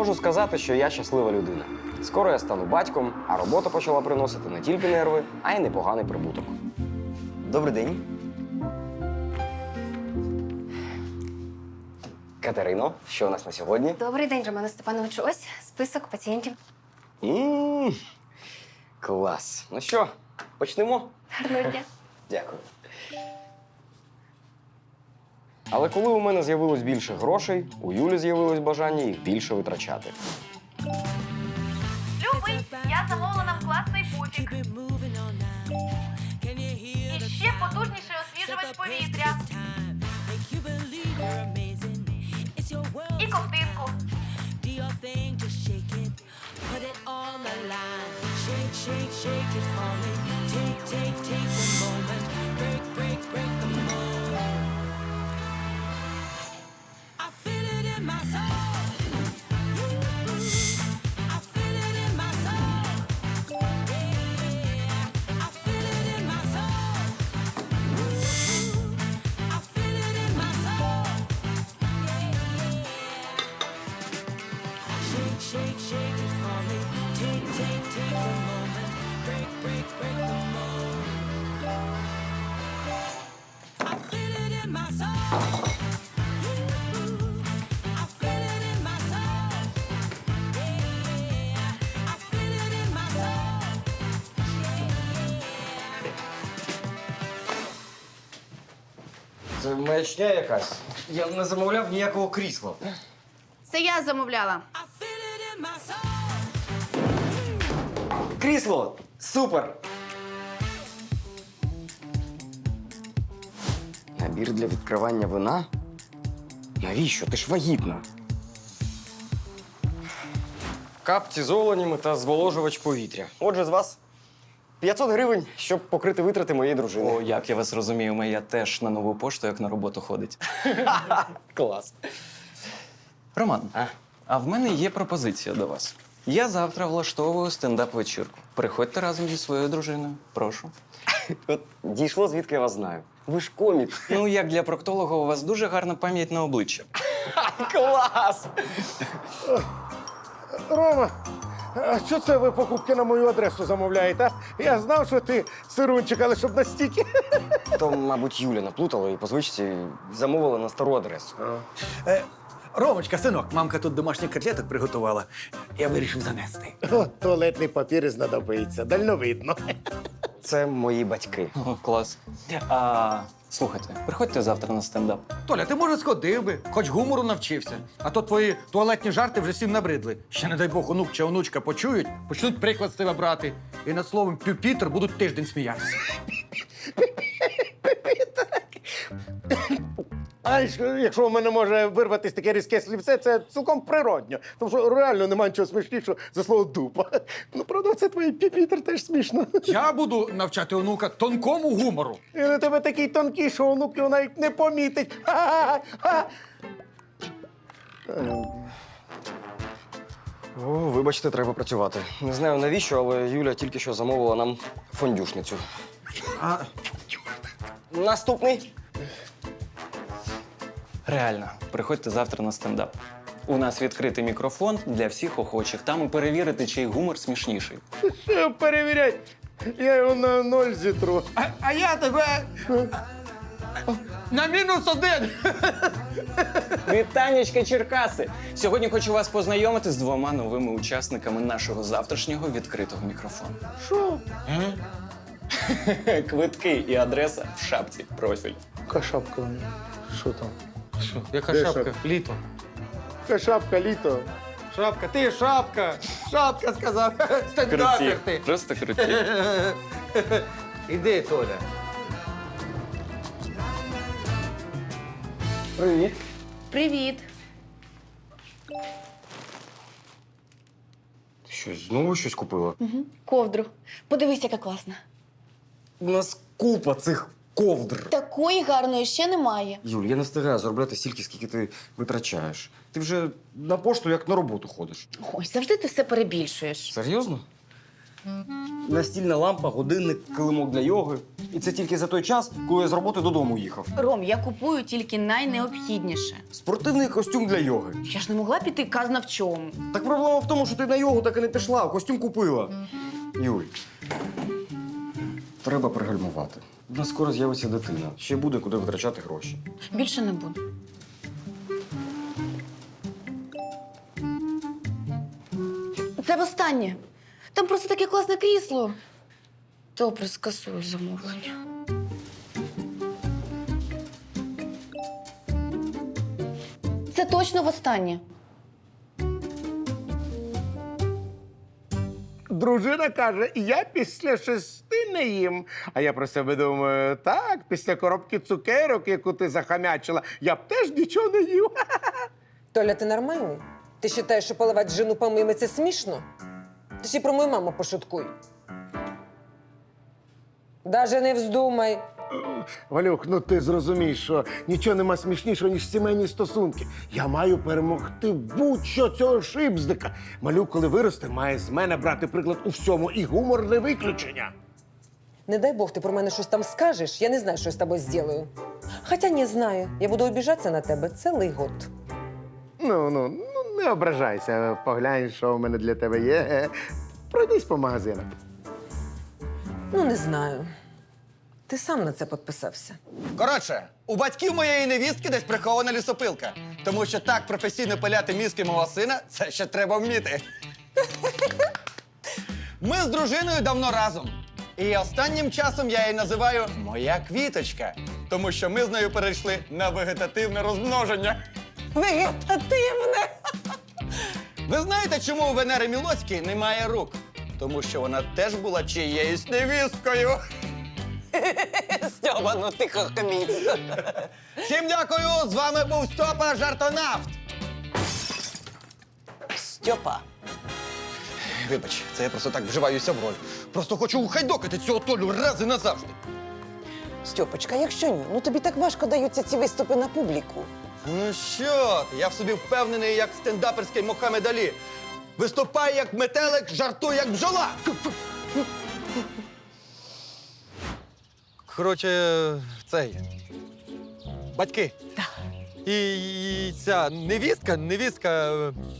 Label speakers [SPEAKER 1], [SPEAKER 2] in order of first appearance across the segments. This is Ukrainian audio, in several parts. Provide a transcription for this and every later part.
[SPEAKER 1] Можу сказати, що я щаслива людина. Скоро я стану батьком, а робота почала приносити не тільки нерви, а й непоганий прибуток. Добрий день. Катерино, що у нас на сьогодні?
[SPEAKER 2] Добрий день, Романе Степановичу. Ось список пацієнтів.
[SPEAKER 1] Клас. Ну що, почнемо?
[SPEAKER 2] Гарного дня.
[SPEAKER 1] Дякую. Але коли у мене з'явилось більше грошей, у Юлі з'явилось бажання їх більше витрачати.
[SPEAKER 3] Любий, я замовила нам класний пуфік. І ще потужніший освіжувач повітря. І ковтинку.
[SPEAKER 1] Це маячня якась. Я не замовляв ніякого крісла.
[SPEAKER 2] Це я замовляла.
[SPEAKER 1] Крісло! Супер! Набір для відкривання вина? Навіщо? Ти ж вагітна. Капці з оленями та зволожувач повітря. Отже, з вас 500 гривень, щоб покрити витрати моєї дружини.
[SPEAKER 4] О, як я вас розумію, моя теж на нову пошту, як на роботу ходить.
[SPEAKER 1] Клас.
[SPEAKER 4] Роман,
[SPEAKER 1] А?
[SPEAKER 4] а в мене є пропозиція до вас. Я завтра влаштовую стендап-вечірку. Приходьте разом зі своєю дружиною. Прошу.
[SPEAKER 1] От дійшло, звідки я вас знаю. Ви ж комік.
[SPEAKER 4] Ну, як для проктолога, у вас дуже гарна пам'ять на обличчя.
[SPEAKER 1] Клас!
[SPEAKER 5] Рома, а що це ви покупки на мою адресу замовляєте? А? Я знав, що ти сирунчик, але щоб настільки.
[SPEAKER 1] То, мабуть, Юля наплутала і по звичці замовила на стару адресу.
[SPEAKER 6] Ромочка, синок, мамка тут домашніх котлеток приготувала. Я вирішив занести.
[SPEAKER 5] О, туалетний папір знадобиться, дальновидно.
[SPEAKER 1] Це мої батьки.
[SPEAKER 4] О, клас. А, слухайте, приходьте завтра на стендап.
[SPEAKER 6] Толя, ти, може, сходив би, хоч гумору навчився. А то твої туалетні жарти вже всім набридли. Ще, не дай Бог, онук чи онучка почують, почнуть приклад з тебе брати. І над словом «пюпітр» будуть тиждень сміятися.
[SPEAKER 5] А якщо в мене може вирватися таке різке слівце, це цілком природньо. Тому що реально немає нічого смішнішого за слово дупа. Ну, правда, це твій піпітер теж смішно.
[SPEAKER 6] Я буду навчати онука тонкому гумору.
[SPEAKER 5] Він у тебе такий тонкий, що онук його навіть не помітить. Ха-ха-ха!
[SPEAKER 1] О, вибачте, треба працювати. Не знаю навіщо, але Юля тільки що замовила нам фондюшницю. Наступний.
[SPEAKER 4] Реально, приходьте завтра на стендап. У нас відкритий мікрофон для всіх охочих. Там і перевірити, чий гумор смішніший.
[SPEAKER 5] Що перевірять? Я його на 0 зітру.
[SPEAKER 6] А я тебе на -1.
[SPEAKER 4] Вітанечка, Черкаси! Сьогодні хочу вас познайомити з 2 новими учасниками нашого завтрашнього відкритого мікрофону.
[SPEAKER 5] Що?
[SPEAKER 4] Квитки і адреса в шапці профіль.
[SPEAKER 5] Яка шапка? Що там?
[SPEAKER 6] Що? Яка
[SPEAKER 5] Де
[SPEAKER 6] шапка?
[SPEAKER 5] шапка?
[SPEAKER 6] Літо.
[SPEAKER 5] Яка шапка, літо?
[SPEAKER 6] Шапка, ти шапка! Шапка сказав! Стендапер
[SPEAKER 4] Круті.
[SPEAKER 6] ти!
[SPEAKER 4] Просто круті.
[SPEAKER 6] Іди, Толя.
[SPEAKER 1] Привіт.
[SPEAKER 2] Привіт.
[SPEAKER 1] Ти що, знову щось купила?
[SPEAKER 2] Ковдру. Подивись, яка класна.
[SPEAKER 1] У нас купа цих ковдр.
[SPEAKER 2] Такої гарної ще немає.
[SPEAKER 1] Юль, я не встигаю заробляти стільки, скільки ти витрачаєш. Ти вже на пошту як на роботу ходиш.
[SPEAKER 2] Ой, завжди ти все перебільшуєш.
[SPEAKER 1] Серйозно? Настільна лампа, годинник, килимок для йоги. І це тільки за той час, коли я з роботи додому їхав.
[SPEAKER 2] Ром, я купую тільки найнеобхідніше.
[SPEAKER 1] Спортивний костюм для йоги.
[SPEAKER 2] Я ж не могла піти казна в чому.
[SPEAKER 1] Так проблема в тому, що ти на йогу так і не пішла, а костюм купила. Юль, треба пригальмувати. У нас скоро з'явиться дитина. Ще буде куди витрачати гроші.
[SPEAKER 2] Більше не буду. Це востаннє. Там просто таке класне крісло. Добре, скасую замовлення. Це точно востаннє.
[SPEAKER 5] Дружина каже, я після 6 не їм. А я про себе думаю, так, після коробки цукерок, яку ти захамячила, я б теж нічого не їв.
[SPEAKER 7] Толя, ти нормальний? Ти вважаєш, що поливати жену помими – це смішно? Ти ще про мою маму пошуткуй. Даже не вздумай.
[SPEAKER 5] Валюх, ну ти зрозумієш, що нічого нема смішнішого, ніж сімейні стосунки. Я маю перемогти будь-що цього шибздика. Малюк, коли виросте, має з мене брати приклад у всьому, і гумор не виключення.
[SPEAKER 7] Не дай Бог, ти про мене щось там скажеш, я не знаю, що я з тобою зроблю. Хоча не знаю, я буду обіжатися на тебе цілий год.
[SPEAKER 5] Ну, не ображайся, поглянь, що в мене для тебе є. Пройдись по магазинах.
[SPEAKER 7] Ну, не знаю. Ти сам на це підписався.
[SPEAKER 8] Коротше, у батьків моєї невістки десь прихована лісопилка. Тому що так професійно пиляти мізки мого сина – це ще треба вміти. Ми з дружиною давно разом. І останнім часом я її називаю «моя квіточка», тому що ми з нею перейшли на вегетативне розмноження.
[SPEAKER 7] Вегетативне!
[SPEAKER 8] Ви знаєте, чому у Венери Мілоцької немає рук? Тому що вона теж була чиєюсь невісткою.
[SPEAKER 7] Стьоба, ну ти хохміць.
[SPEAKER 8] Всім дякую! З вами був Стьопа Жартонавт.
[SPEAKER 7] Стьопа.
[SPEAKER 8] Вибач, це я просто так вживаюся в роль. Просто хочу ухайдокати цього Толю раз і назавжди.
[SPEAKER 7] Стьопочка, якщо ні, ну тобі так важко даються ці виступи на публіку.
[SPEAKER 8] Ну що ти? Я в собі впевнений, як стендаперський Мохамед Алі. Виступай як метелик, жартуй як бджола. Коротше, цей. Батьки. І ця невістка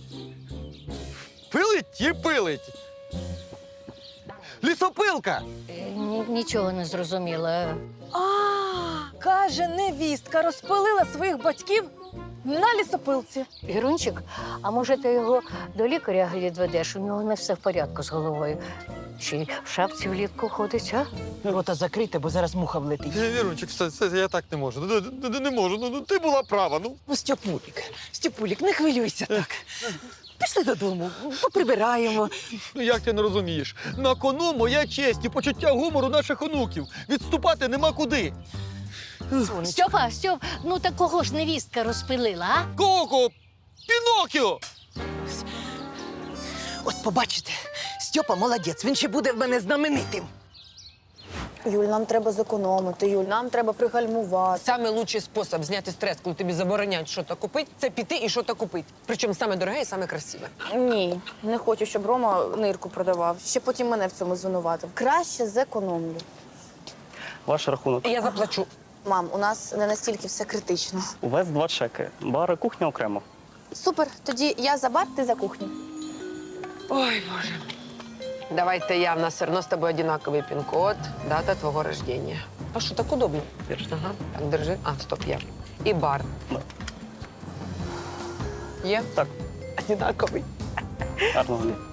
[SPEAKER 8] пилить і пилить. Лісопилка!
[SPEAKER 9] Нічого не зрозуміла.
[SPEAKER 10] Каже, невістка розпилила своїх батьків на лісопилці.
[SPEAKER 9] Гірунчик, а може ти його до лікаря відведеш? У нього не все в порядку з головою. Чи й в шапці влітку ходить, а?
[SPEAKER 10] Рота закрийте, бо зараз муха влетить.
[SPEAKER 8] Вірунчик, все, я так не можу. Не можу. Ти була права.
[SPEAKER 10] Ну, Степулік, не хвилюйся так. Пішли додому, поприбираємо.
[SPEAKER 8] Ну як ти не розумієш? На кону моя честь і почуття гумору наших онуків. Відступати нема куди.
[SPEAKER 9] Стьопа, ну так кого ж невістка розпилила, а?
[SPEAKER 8] Кого? Пінокіо!
[SPEAKER 10] От побачите, Стьопа молодець, він ще буде в мене знаменитим.
[SPEAKER 2] Юль, нам треба зекономити, Юль, нам треба пригальмувати.
[SPEAKER 7] Самий лучший спосіб зняти стрес, коли тобі забороняють щось купити, це піти і щось купити. Причому саме дороге і саме красиве.
[SPEAKER 2] Ні, не хочу, щоб Рома нирку продавав. Ще потім мене в цьому звинуватив. Краще зекономлю.
[SPEAKER 11] Ваш рахунок.
[SPEAKER 7] І я заплачу.
[SPEAKER 2] Мам, у нас не настільки все критично.
[SPEAKER 11] У вас 2 чеки. Бар і кухня окремо.
[SPEAKER 2] Супер, тоді я за бар, ти за кухню.
[SPEAKER 7] Ой, Боже. Давайте я, в нас все одно з тобою одинаковий пін-код, дата твого рождения. А що, так удобно? Ага, так, держи. А, стоп, я. І бар.
[SPEAKER 11] Да.
[SPEAKER 7] Є?
[SPEAKER 11] Так.
[SPEAKER 7] Одинаковий.
[SPEAKER 11] Гарного дня.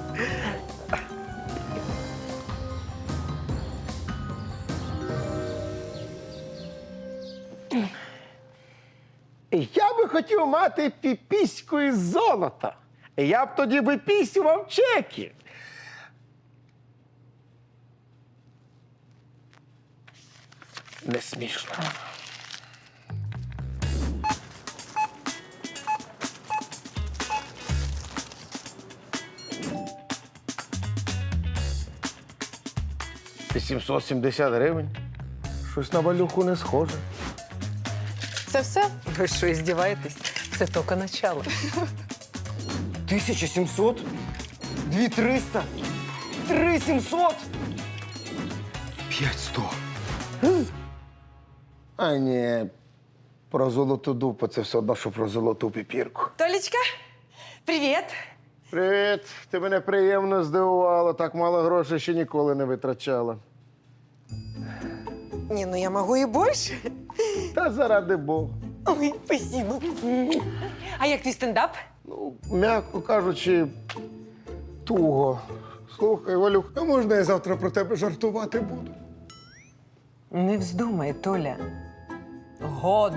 [SPEAKER 5] Я би хотів мати піпіську із золота. Я б тоді випісював чеки. Не смішно. $870. Щось на Валюху не схоже.
[SPEAKER 7] Це все? Ви що, здіваєтесь? Це тільки начало.
[SPEAKER 1] 1700? 2300? 3700!
[SPEAKER 5] 5100. А ні, про золоту дупу це все одно, що про золоту піпірку.
[SPEAKER 10] Толічка, привіт.
[SPEAKER 5] Привіт. Ти мене приємно здивувала. Так мало грошей ще ніколи не витрачала.
[SPEAKER 10] Ні, ну я можу і більше.
[SPEAKER 5] Та заради Бога.
[SPEAKER 10] Ой, спасибо. А як твій стендап?
[SPEAKER 5] Ну, м'яко кажучи, туго. Слухай, Валюх, а можна я завтра про тебе жартувати буду?
[SPEAKER 10] Не вздумай, Толя. Год.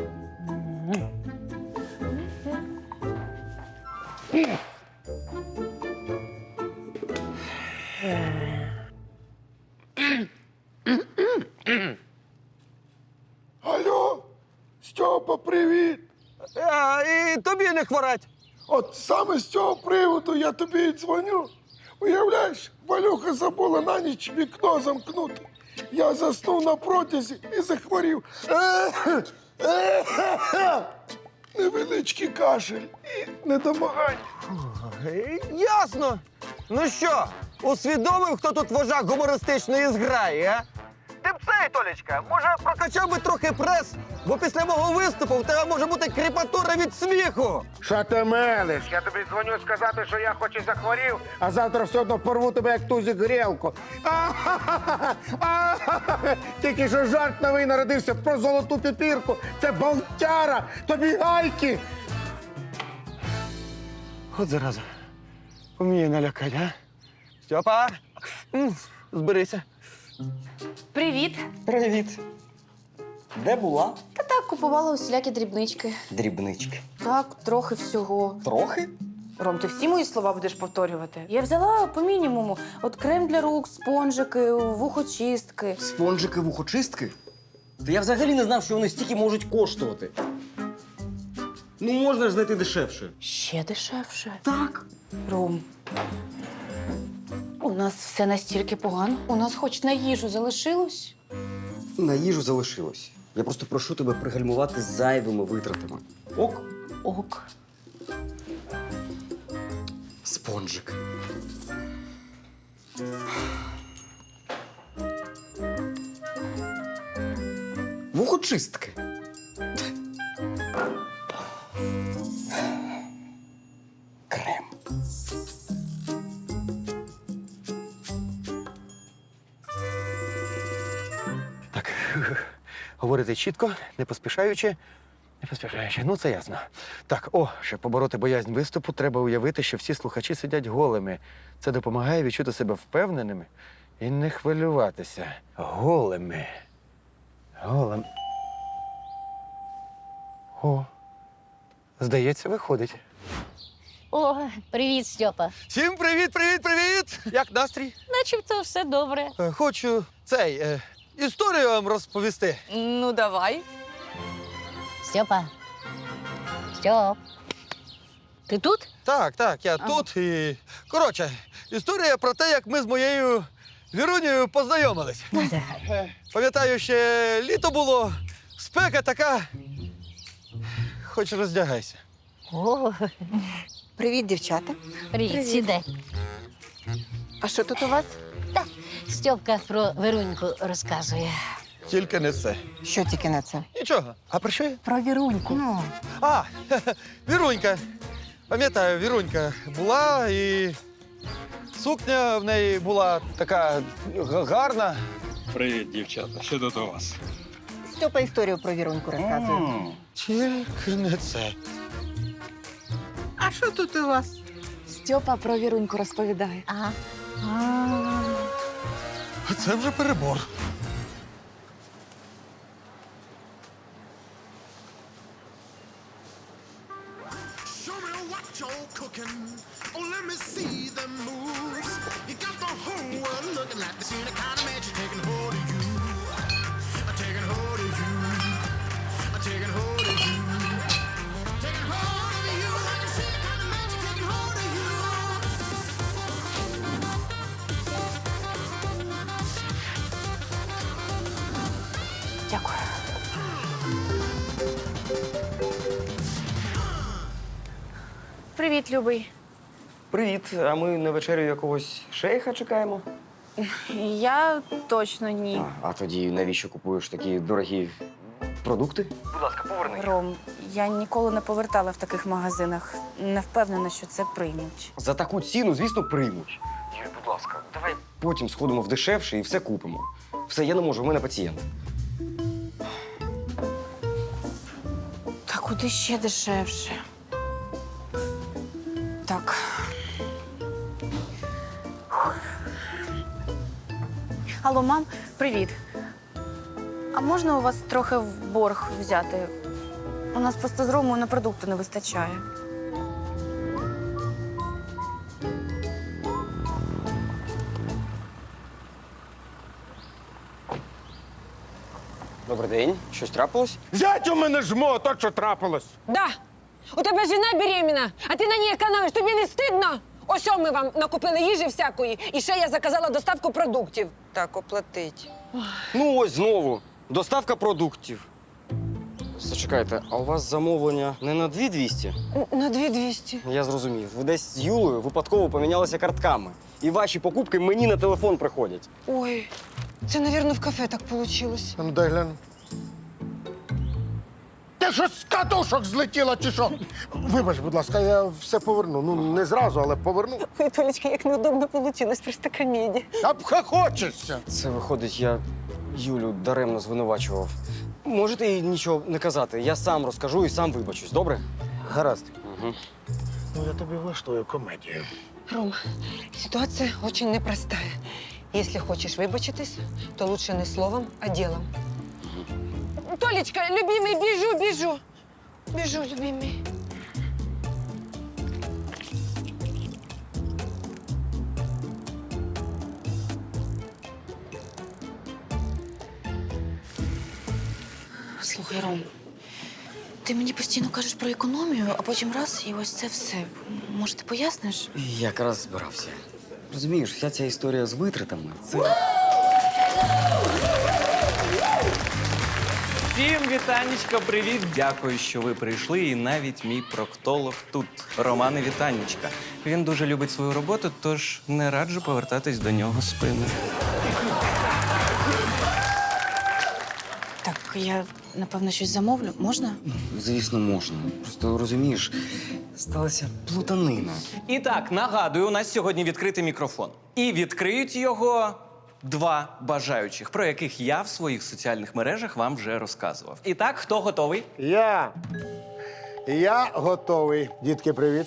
[SPEAKER 5] Алло, Стьопа, привіт!
[SPEAKER 8] І тобі не хворать.
[SPEAKER 5] От саме з цього приводу я тобі і дзвоню. Уявляєш, Валюха забула на ніч вікно замкнути. Я заснув на протязі і захворів. Невеличкий кашель і недомагання.
[SPEAKER 8] Ясно. Ну що, усвідомив, хто тут вожак гумористичної зграї, а? Ти б цей, Толічка, може прокачав би трохи прес, бо після мого виступу в тебе може бути кріпатура від сміху.
[SPEAKER 5] Що ти мелиш? Я тобі дзвоню сказати, що я хоч і захворів, а завтра все одно порву тебе, як тузик грілку. Тільки що жарт новий народився про золоту піпірку. Це болтяра, тобі гайки.
[SPEAKER 8] От зараза. Вміє налякати, а? Стьопа, зберися.
[SPEAKER 2] Привіт.
[SPEAKER 1] Привіт. Де була?
[SPEAKER 2] Та так, купувала усілякі дрібнички.
[SPEAKER 1] Дрібнички.
[SPEAKER 2] Так, трохи всього.
[SPEAKER 1] Трохи?
[SPEAKER 2] Ром, ти всі мої слова будеш повторювати? Я взяла по мінімуму. От крем для рук, спонжики, вухочистки.
[SPEAKER 1] Спонжики вухочистки? Та я взагалі не знав, що вони стільки можуть коштувати. Ну, можна ж знайти дешевше.
[SPEAKER 2] Ще дешевше.
[SPEAKER 1] Так.
[SPEAKER 2] Ром, у нас все настільки погано. У нас хоч на їжу залишилось.
[SPEAKER 1] На їжу залишилось. Я просто прошу тебе пригальмувати з зайвими витратами. Ок?
[SPEAKER 2] Ок.
[SPEAKER 1] Спонжик. Вухочистки. Крем.
[SPEAKER 6] Так, говорити чітко, не поспішаючи. Ну, це ясно. Так, щоб побороти боязнь виступу, треба уявити, що всі слухачі сидять голими. Це допомагає відчути себе впевненими і не хвилюватися. Голими. Голим. Здається, виходить.
[SPEAKER 9] О, привіт, Стьопа.
[SPEAKER 8] Всім привіт, привіт, привіт! Як настрій?
[SPEAKER 9] Начебто все добре.
[SPEAKER 8] Хочу історію вам розповісти.
[SPEAKER 10] Ну, давай.
[SPEAKER 9] Стьопа. Стьоп. Ти тут?
[SPEAKER 8] Так, я тут і. Коротше, історія про те, як ми з моєю Вірунею познайомились. Пам'ятаю, ще літо було, спека така. Хоч роздягайся.
[SPEAKER 9] О,
[SPEAKER 10] Привіт, дівчата.
[SPEAKER 9] привіт, сідай.
[SPEAKER 10] А що тут у вас?
[SPEAKER 9] Стьопка про Веруньку розказує.
[SPEAKER 8] Тільки не це.
[SPEAKER 10] Що тільки на це?
[SPEAKER 8] Нічого. А про що я?
[SPEAKER 9] Про Віруньку.
[SPEAKER 10] Ну,
[SPEAKER 8] Вірунька. Пам'ятаю, Вірунька була і сукня в неї була така гарна.
[SPEAKER 11] Привіт, дівчата. Що тут у вас?
[SPEAKER 10] Стьопа історію про Віруньку розказує.
[SPEAKER 8] Тільки не це.
[SPEAKER 10] А що тут у вас? Стьопа про Віруньку розповідає.
[SPEAKER 9] Ага.
[SPEAKER 8] А це вже перебор.
[SPEAKER 2] Дякую. Привіт, любий.
[SPEAKER 1] Привіт. А ми на вечерю якогось шейха чекаємо?
[SPEAKER 2] Я точно ні.
[SPEAKER 1] А тоді навіщо купуєш такі дорогі продукти? Будь ласка, поверни.
[SPEAKER 2] Ром, я ніколи не повертала в таких магазинах. Не впевнена, що це приймуть.
[SPEAKER 1] За таку ціну, звісно, приймуть. Юль, будь ласка, давай потім сходимо в дешевше і все купимо. Все, я не можу, в мене пацієнт.
[SPEAKER 2] Та куди ще дешевше? Так. Алло, мам, привіт. А можна у вас трохи в борг взяти? У нас просто з Ромою на продукти не вистачає.
[SPEAKER 1] Добрий день. Щось трапилось?
[SPEAKER 5] Зять у мене жмо, то що трапилось.
[SPEAKER 7] Да. У тебе жена беременна, а ти на ній економиш. Тобі не стидно? Ось ми вам накупили їжі всякої, і ще я заказала доставку продуктів. Так, оплатить.
[SPEAKER 1] Ну ось знову. Доставка продуктів. Зачекайте, а у вас замовлення не на 2200?
[SPEAKER 7] На 2200.
[SPEAKER 1] Я зрозумів. Ви десь з Юлею випадково помінялися картками. І ваші покупки мені на телефон приходять.
[SPEAKER 7] Ой, це, мабуть, в кафе так вийшло.
[SPEAKER 5] А ну дай гляну. Ти що з катушок злетіла чи що? Вибач, будь ласка, я все поверну. Ну, не зразу, але поверну.
[SPEAKER 7] Ой, Толечка, як неудобно вийшло, просто комедія.
[SPEAKER 5] Обхохочешся.
[SPEAKER 1] Це виходить, я Юлю даремно звинувачував. Можете їй нічого не казати. Я сам розкажу і сам вибачусь, добре?
[SPEAKER 5] Гаразд.
[SPEAKER 1] Угу.
[SPEAKER 5] Ну, я тобі влаштую комедію.
[SPEAKER 7] Ром, ситуація дуже непростая. Якщо хочеш вибачитись, то лучше не словом, а ділом. Толечка, любимий, біжу. Біжу, любимий.
[SPEAKER 2] Слухай, Ром, ти мені постійно кажеш про економію, а потім раз і ось це все. Може, ти поясниш?
[SPEAKER 1] Якраз збирався. Розумієш, вся ця історія з витратами – це…
[SPEAKER 4] Всім вітанечка, привіт! Дякую, що ви прийшли. І навіть мій проктолог тут. Романе вітанечка. Він дуже любить свою роботу, тож не раджу повертатись до нього спиною.
[SPEAKER 2] Так, я, напевно, щось замовлю. Можна?
[SPEAKER 1] Звісно, можна. Просто, розумієш, сталася плутанина.
[SPEAKER 4] І так, нагадую, у нас сьогодні відкритий мікрофон. І відкриють його два бажаючих, про яких я в своїх соціальних мережах вам вже розказував. І так, хто готовий?
[SPEAKER 5] Я готовий. Дітки, привіт.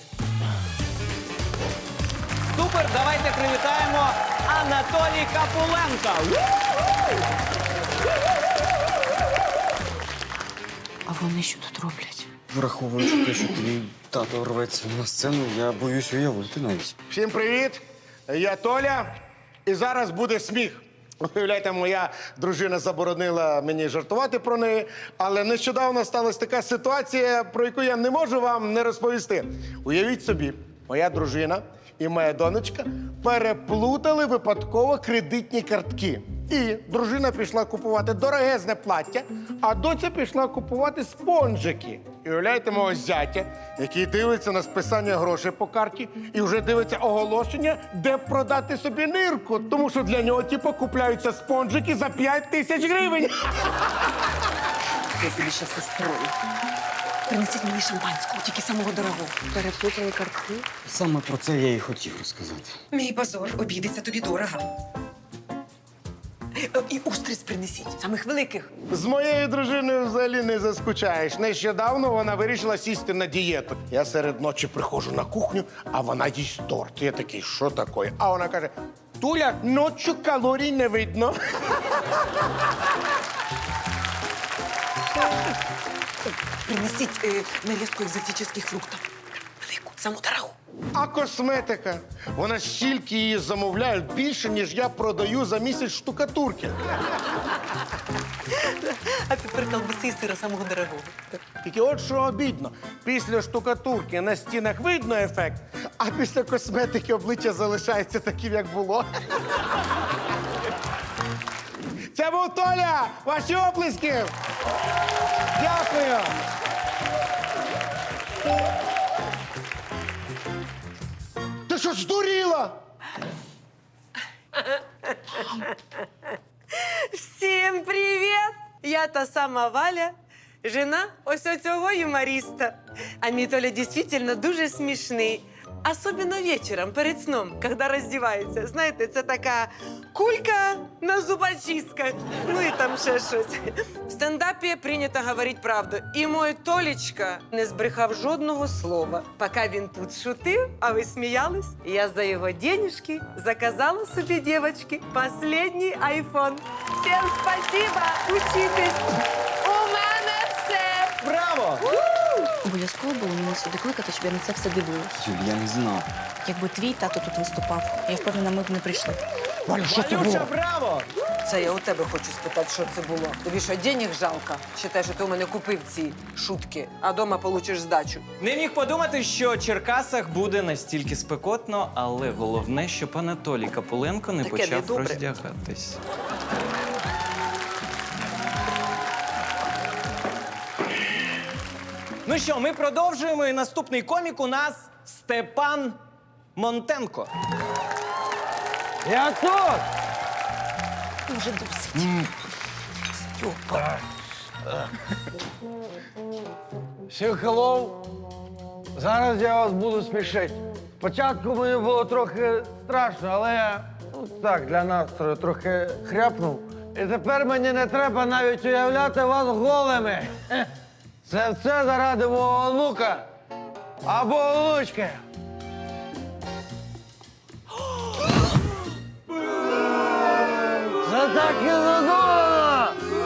[SPEAKER 4] Супер, давайте привітаємо Анатолій Капуленко.
[SPEAKER 2] А вони що тут роблять?
[SPEAKER 1] Враховуючи те, що твій тато рветься на сцену, я боюсь уявити навіть.
[SPEAKER 5] Всім привіт. Я Толя. І зараз буде сміх. Уявляєте, моя дружина заборонила мені жартувати про неї, але нещодавно сталася така ситуація, про яку я не можу вам не розповісти. Уявіть собі, моя дружина і моя донечка переплутали випадково кредитні картки. І дружина пішла купувати дорогезне плаття, а доця пішла купувати спонжики. І уявляєте мого зятя, який дивиться на списання грошей по карті і вже дивиться оголошення, де продати собі нирку. Тому що для нього, типу, купляються спонжики за 5000 гривень.
[SPEAKER 10] Я собі ще сестрою. Принесіть мені шампанського, тільки самого дорогого.
[SPEAKER 7] Переплутали картки.
[SPEAKER 1] Саме про це я і хотів розказати.
[SPEAKER 10] Мій позор обійдеться тобі дорого. І устриць принесіть, самих великих.
[SPEAKER 5] З моєю дружиною взагалі не заскучаєш. Нещодавно вона вирішила сісти на дієту. Я серед ночі приходжу на кухню, а вона їсть торт. Я такий, що таке? А вона каже: Туля, ночі калорій не видно.
[SPEAKER 10] Принесіть нарізку екзотичних фруктів. Велику, саму дорогу.
[SPEAKER 5] А косметика? Вона стільки її замовляють більше, ніж я продаю за місяць штукатурки.
[SPEAKER 10] А тепер колбаси і сира самого дорогого.
[SPEAKER 5] Тільки от що обідно. Після штукатурки на стінах видно ефект, а після косметики обличчя залишається таким, як було. Це був Толя! Ваші оплески! Дякую! Ти
[SPEAKER 7] та сама Валя, жена ось оцього юмориста. А мій Толя дійсно дуже смішний. Особенно вечором, перед сном, коли роздівається. Знаєте, це така кулька на зубочистках. Ну і там ще щось. В стендапі прийнято говорити правду. І мой Толічка не збрехав жодного слова. Поки він тут шутив, а ви сміялись, я за його денежки заказала собі, дівчатки, последній айфон. Всім спасибо, учитесь. У мене все.
[SPEAKER 8] Браво!
[SPEAKER 2] Обов'язково було мене сюди кликати, щоб я на це все дивилась.
[SPEAKER 1] Юль, я не знав.
[SPEAKER 2] Якби твій тато тут виступав, я впевнена, ми б не прийшли.
[SPEAKER 5] Валя, що це було?
[SPEAKER 8] Валюша, браво!
[SPEAKER 7] Це я у тебе хочу спитати, що це було. Тобі що, денег жалко? Считай, що ти у мене купив ці шутки, а дома получиш здачу.
[SPEAKER 4] Не міг подумати, що в Черкасах буде настільки спекотно, але головне, щоб Анатолій Капуленко не
[SPEAKER 7] Таке
[SPEAKER 4] почав
[SPEAKER 7] недобре.
[SPEAKER 4] роздягатись. Ну що, ми продовжуємо, і наступний комік у нас Степан Монтенко.
[SPEAKER 8] Я тут!
[SPEAKER 2] Уже досить.
[SPEAKER 8] Всім хеллоу! Зараз я вас буду смішити. Спочатку мені було трохи страшно, але я так для настрою трохи хряпнув. І тепер мені не треба навіть уявляти вас голими. Це все заради мого онука або онучки. Це так і задумано!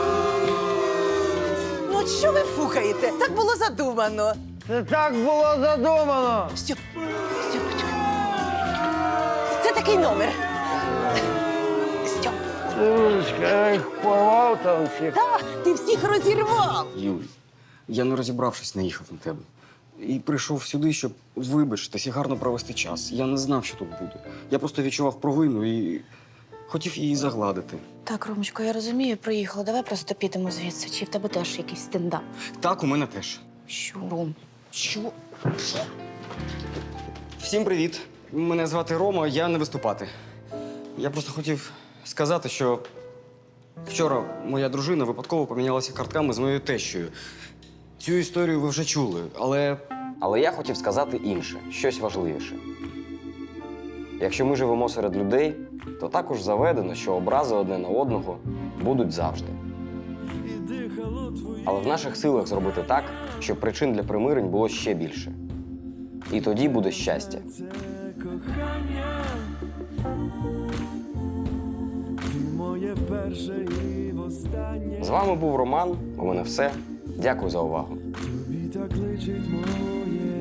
[SPEAKER 7] Ну, от що ви фукаєте? Так було задумано.
[SPEAKER 8] Це так було задумано!
[SPEAKER 7] Стьопочка. Це такий номер. Стьоп.
[SPEAKER 8] Дурочка, я їх порвав там всіх.
[SPEAKER 7] Ти всіх розірвав.
[SPEAKER 1] Юль, я не розібравшись, наїхав на тебе. І прийшов сюди, щоб вибачитись і гарно провести час. Я не знав, що тут буде. Я просто відчував провину і хотів її загладити.
[SPEAKER 2] Так, Ромочко, я розумію, приїхала. Давай просто підемо звідси. Чи в тебе теж якийсь стендап?
[SPEAKER 1] Так, у мене теж.
[SPEAKER 2] Що, Ром? Що?
[SPEAKER 1] Всім привіт. Мене звати Рома, я не виступати. Я просто хотів сказати, що вчора моя дружина випадково помінялася картками з моєю тещою. Цю історію ви вже чули, але. Але я хотів сказати інше, щось важливіше. Якщо ми живемо серед людей, то також заведено, що образи одне на одного будуть завжди. Але в наших силах зробити так, щоб причин для примирень було ще більше. І тоді буде щастя. З вами був Роман. У мене все. Дякую за увагу.
[SPEAKER 12] Тобі так личить моє